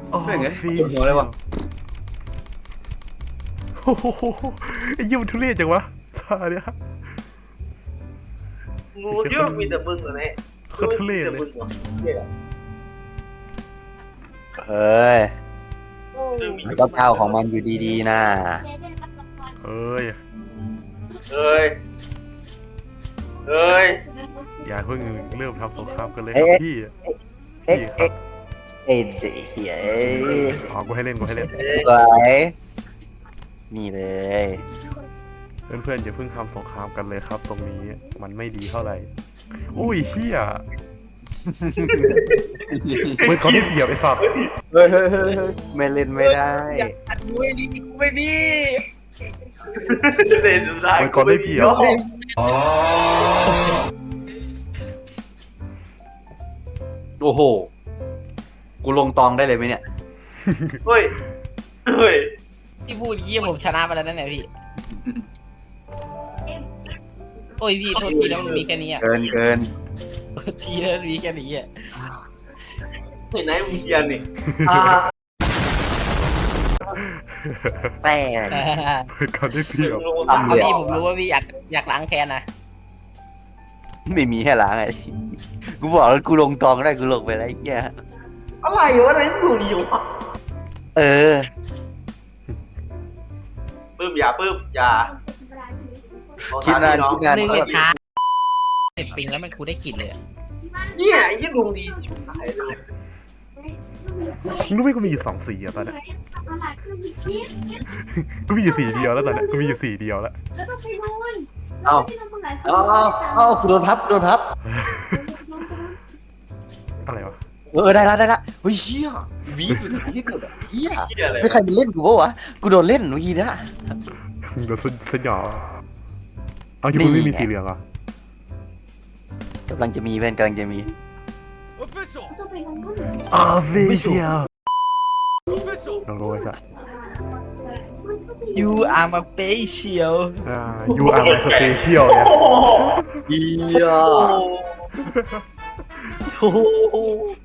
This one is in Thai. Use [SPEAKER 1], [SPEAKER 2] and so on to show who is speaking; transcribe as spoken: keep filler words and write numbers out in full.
[SPEAKER 1] โอ้
[SPEAKER 2] ไม่ไง
[SPEAKER 1] พี่
[SPEAKER 2] ปวดหัวเลยวะ
[SPEAKER 1] โอ้โหไอ้ยี่มันทุเรศจังวะท่าเนี้ย
[SPEAKER 3] งูเยอะมีแต่มึงเหรอเนี่ย
[SPEAKER 1] โคตรทุเรศเลย
[SPEAKER 2] เฮ้ยมันก็ก้าวของมันอยู่ดีๆนะ
[SPEAKER 1] เอ้ย
[SPEAKER 3] เอ้ยเอ้ย
[SPEAKER 1] อย่าเพิ่งเริ่มทำสงครามกันเลยครับพี่
[SPEAKER 2] เอ็ก
[SPEAKER 1] พี่ค
[SPEAKER 2] เอ็
[SPEAKER 1] รับ
[SPEAKER 2] กเอ็ดเฮียเอ้ย
[SPEAKER 1] อ๋อกูให้เล่นกูให้เล่น
[SPEAKER 2] สวยนี่เลย
[SPEAKER 1] เพื่อนๆอย่าเพิ่งทำสงครามกันเลยครับ ตรงนี้มันไม่ดีเท่าไหร่อุ้ยเฮียเฮ้ยเขาได้เปรียบไอ้สัตว์
[SPEAKER 2] เฮ้ยเฮ้ยเฮ้ยเฮ้ย
[SPEAKER 4] ไม่เล่นไม่ได้
[SPEAKER 3] ไม่มีกูไม่มีเล่นสุดท้าย
[SPEAKER 1] เฮ้ยเขาได้เปรียบ
[SPEAKER 2] โอ้โหกูลงตองได้เลยไหมเนี่ย
[SPEAKER 3] เฮ้ยเฮ้ย
[SPEAKER 5] ที่พูดยี่ผมชนะไปแล้วนั่นแหละพี่ โอ้ยพี่โทษทีแล้วมันมีแค่นี้อ่ะ
[SPEAKER 2] เกินเกิน
[SPEAKER 5] โทษทีแล้วมันมีแค่นี้อ่ะ
[SPEAKER 3] เฮ้ยไหนมึงเกียนนี่
[SPEAKER 4] แต่
[SPEAKER 1] เขาได้เปรียบ
[SPEAKER 5] เอาพี่ผมรู้ว่าพี่อยากอยากล้างแค้นนะ
[SPEAKER 2] ไม่มีให้ล้างไงกูบอกแล้วกูลงตองได้กูลงไปแล้วไอ้เหี้ย
[SPEAKER 3] อะไรวะไหนมึงอยู่วะ
[SPEAKER 2] เออ
[SPEAKER 3] ปื้มอย่าปื้มอย่า
[SPEAKER 2] คิดนานคิดนาน
[SPEAKER 5] หนึ่ง
[SPEAKER 2] ก็
[SPEAKER 5] เล
[SPEAKER 2] แบ
[SPEAKER 5] ย
[SPEAKER 2] บ
[SPEAKER 5] ท้าเสร็จปิงแล้วมันกูได้กลิ่นเลยอะ
[SPEAKER 3] เนี่ยยี่ดวงดีชิบหายเลย
[SPEAKER 1] มึงรู้ไหมกูมีอยู่สองสีอะตอนเนี้ยกูมีอยู่สีเดียวแล้วตอนเนี้ยกูมีอยู่สีเดียวแล้ว
[SPEAKER 2] เอาเอาเอาเอากูโดนพับกูโดนพับ
[SPEAKER 1] อะไรวะ
[SPEAKER 2] เออได้ละได้ละเฮ้ยเฮียวีสุดท้ายที่เกิดอะเฮีย
[SPEAKER 3] เหี้ยอะไร
[SPEAKER 2] ไม่ใครมาเล่นกูปะวะกูโดนเล่นเมื่อกี้นะ
[SPEAKER 1] โดนสยองเอาที่มึงไม่มีสีเหลืองเหรอ่ะ
[SPEAKER 2] กำลังจะมีเพื่อนกำลังจะมี
[SPEAKER 1] อาเวียลองดูไว้สัก
[SPEAKER 5] ยูอาร์มาเปเชียล
[SPEAKER 1] อ่า you are my special เนี่ย
[SPEAKER 2] เฮีย
[SPEAKER 5] โอ้โห